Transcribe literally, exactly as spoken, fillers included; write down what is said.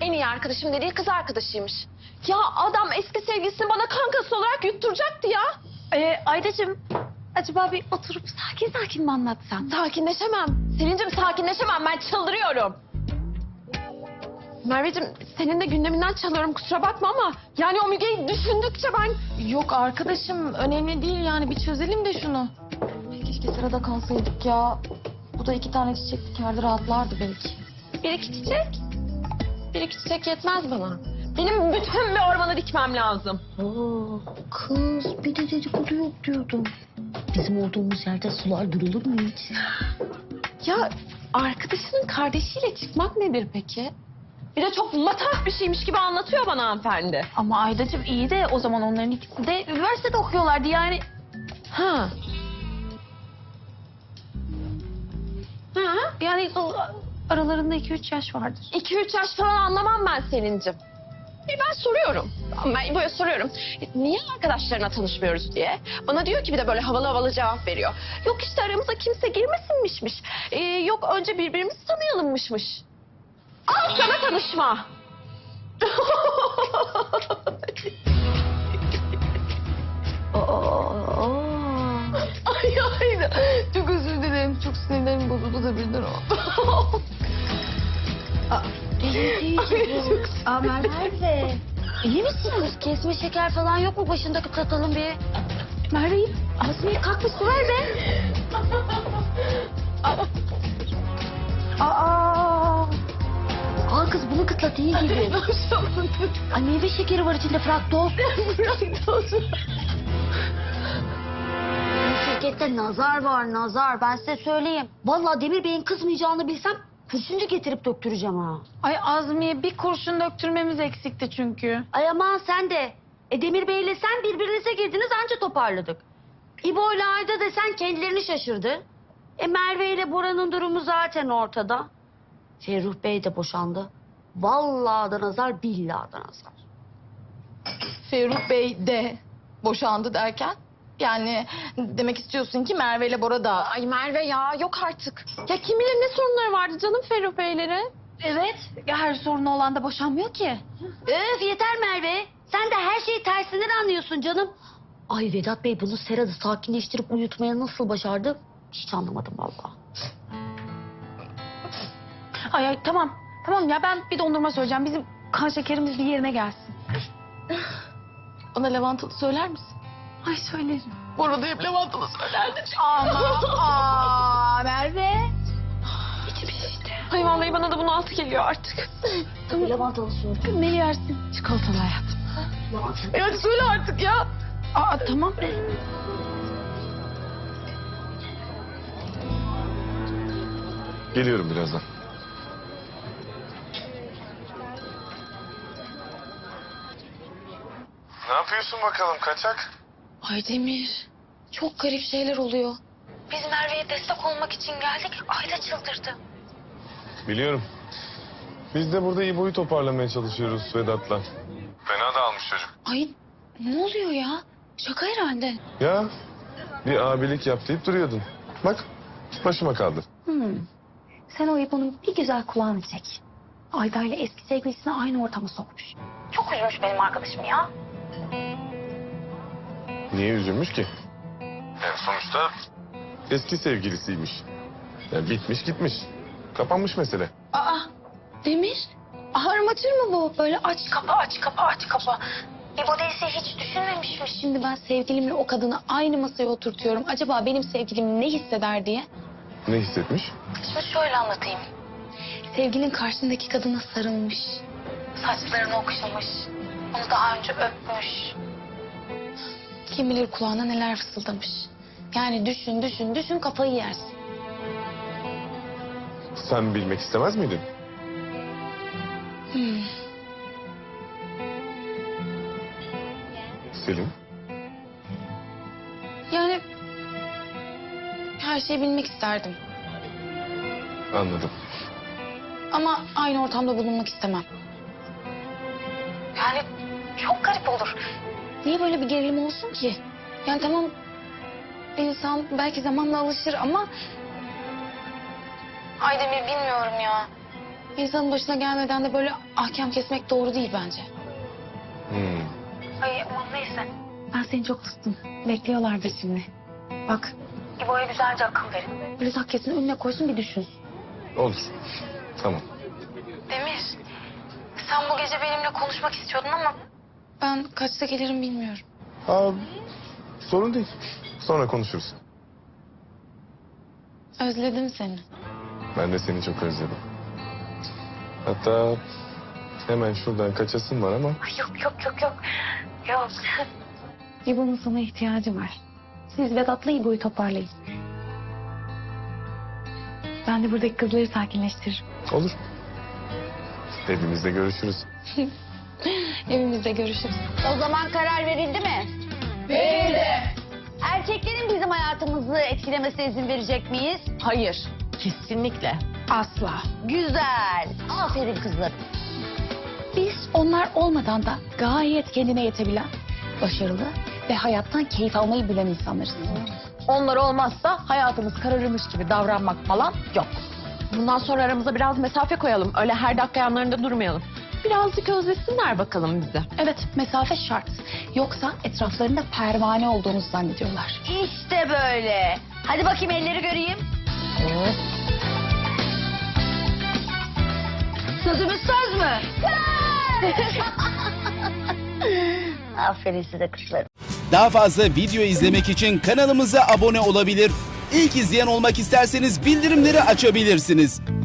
en iyi arkadaşım dediği kız arkadaşıymış. Ya adam eski sevgilisini bana kankası olarak yutturacaktı ya. Ee, Aydacığım, acaba bir oturup sakin sakin mi anlatsan? Sakinleşemem. Selin'cim sakinleşemem. Ben çıldırıyorum. Merveciğim senin de gündeminden çalıyorum kusura bakma ama... ...yani o Müge'yi düşündükçe ben... Yok arkadaşım önemli değil yani bir çözelim de şunu. Keşke sırada kalsaydık ya. Bu da iki tane çiçek dikerdi rahatlardı belki. Bir iki çiçek. Bir iki çiçek yetmez bana. Benim bütün bir ormanı dikmem lazım. Oo, kız bir de dedikodu yok diyordum. Bizim olduğumuz yerde sular durulur mu hiç? Ya arkadaşının kardeşiyle çıkmak nedir peki? Bir de çok matah bir şeymiş gibi anlatıyor bana hanımefendi. Ama Aydacığım iyi de o zaman onların ikisi de üniversitede okuyorlardı yani. Ha. Ha? Yani o, aralarında iki üç yaş vardır. İki üç yaş falan anlamam ben Selin'cim. Bir ben soruyorum. Ben böyle soruyorum. Niye arkadaşlarına tanışmıyoruz diye. Bana diyor ki bir de böyle havalı havalı cevap veriyor. Yok işte aramıza kimse girmesinmişmiş. Ee, yok önce birbirimizi tanıyalımmışmış. Al sana tanışma. Ay ay çok özür dilerim. Çok sinirlerim bozuldu da birden oldu. Aa Merve. İyi misin kız? Kesme şeker falan yok mu? Başındaki tatalım bir. Merve, Azmiye kalk bir su ver be. Aa. Al kız bunu kıtlat iyi gibi. Ay meyve şekeri var içinde fraktoz. Bu şirkette nazar var nazar. Ben size söyleyeyim. Vallahi Demir Bey'in kızmayacağını bilsem kurşuncu getirip döktüreceğim ha. Ay Azmiye bir kurşun döktürmemiz eksikti çünkü. Ay aman sen de. E Demir Bey'le sen birbirinize girdiniz anca toparladık. İbo ile Ayda desen kendilerini şaşırdı. E Merve ile Bora'nın durumu zaten ortada. Ferruh Bey de boşandı. Vallahi da nazar billahi da nazar. Ferruh Bey de boşandı derken? Yani demek istiyorsun ki Merve ile Bora da... Ay Merve ya yok artık. Ya kim bilir ne sorunları vardı canım Ferruh Beylerin. Evet. Ya her sorunu olan da boşanmıyor ki. Öf yeter Merve. Sen de her şeyi tersinden anlıyorsun canım. Ay Vedat Bey bunu Serhat'ı sakinleştirip uyutmaya nasıl başardı? Hiç anlamadım vallahi. Ay ay tamam. Tamam ya ben bir dondurma söyleyeceğim. Bizim kan şekerimiz bir yerine gelsin. Bana lavantalı söyler misin? Ay söylerim. Bora da hep lavantalı söylerdi. Ama aa Merve. İçim şişti. Ay vallahi bana da bunun altı geliyor artık. Tabii lavantalı söyle. Ne yersin? Çikolatalı hayatım. E hadi söyle artık ya. Aa tamam. Geliyorum birazdan. Ne yapıyorsun bakalım kaçak? Ay Demir. Çok garip şeyler oluyor. Biz Merve'ye destek olmak için geldik. Ayda çıldırdı. Biliyorum. Biz de burada İbo'yu toparlamaya çalışıyoruz Vedat'la. Fena dağılmış çocuk. Ay ne oluyor ya? Şaka herhalde. Ya bir abilik yap deyip duruyordun. Bak başıma kaldı. Hmm. Sen o İbo'nun bir güzel kulağını çek. Ayda ile eski sevgilisini aynı ortama sokmuş. Çok üzülmüş benim arkadaşım ya. Niye üzülmüş ki? Yani sonuçta eski sevgilisiymiş. Yani bitmiş gitmiş. Kapanmış mesele. Aa Demir. Armatür mü bu? Böyle aç kapa aç kapa aç kapa. İbo değilse hiç düşünmemişmiş. Şimdi ben sevgilimle o kadını aynı masaya oturtuyorum. Acaba benim sevgilim ne hisseder diye. Ne hissetmiş? Şimdi şöyle anlatayım. Sevgilin karşısındaki kadına sarılmış. Saçlarını okşamış. Onu daha önce öpmüş. Kim bilir kulağına neler fısıldamış. Yani düşün düşün düşün kafayı yersin. Sen bilmek istemez miydin? Hmm. Selin. Yani her şeyi bilmek isterdim. Anladım. Ama aynı ortamda bulunmak istemem. Yani çok garip olur. Niye böyle bir gerilim olsun ki? Yani tamam insan belki zamanla alışır ama... Ay Demir bilmiyorum ya. İnsanın başına gelmeden de böyle ahkam kesmek doğru değil bence. Hmm. Ay aman neyse. Ben seni çok tuttum. Bekliyorlardır şimdi. Bak. İbo'ya güzelce akıl verin. Böyle takkesini önüne koysun bir düşün. Olur. Tamam. Demir. Sen bu gece benimle konuşmak istiyordun ama... Ben kaçta gelirim bilmiyorum. Aa, sorun değil. Sonra konuşuruz. Özledim seni. Ben de seni çok özledim. Hatta hemen şuradan kaçasın var ama... Ay yok yok yok yok. Yok. İbo'nun sana ihtiyacı var. Siz Vedat'la İbo'yu toparlayın. Ben de buradaki kızları sakinleştiririm. Olur. Evimizde görüşürüz. Evimizde görüşürüz. O zaman karar verildi mi? Verildi. Erkeklerin bizim hayatımızı etkilemesine izin verecek miyiz? Hayır. Kesinlikle. Asla. Güzel. Aferin kızlar. Biz onlar olmadan da gayet kendine yetebilen, başarılı ve hayattan keyif almayı bilen insanlarız. Onlar olmazsa hayatımız kararırmış gibi davranmak falan yok. Bundan sonra aramıza biraz mesafe koyalım. Öyle her dakika yanlarında durmayalım. Birazcık özlesinler bakalım bizi. Evet, mesafe şart. Yoksa etraflarında pervane olduğumuzu zannediyorlar. İşte böyle. Hadi bakayım elleri göreyim. Sözümüz söz mü? Aferin size kızlar. Daha fazla video izlemek için kanalımıza abone olabilir. İlk izleyen olmak isterseniz bildirimleri açabilirsiniz.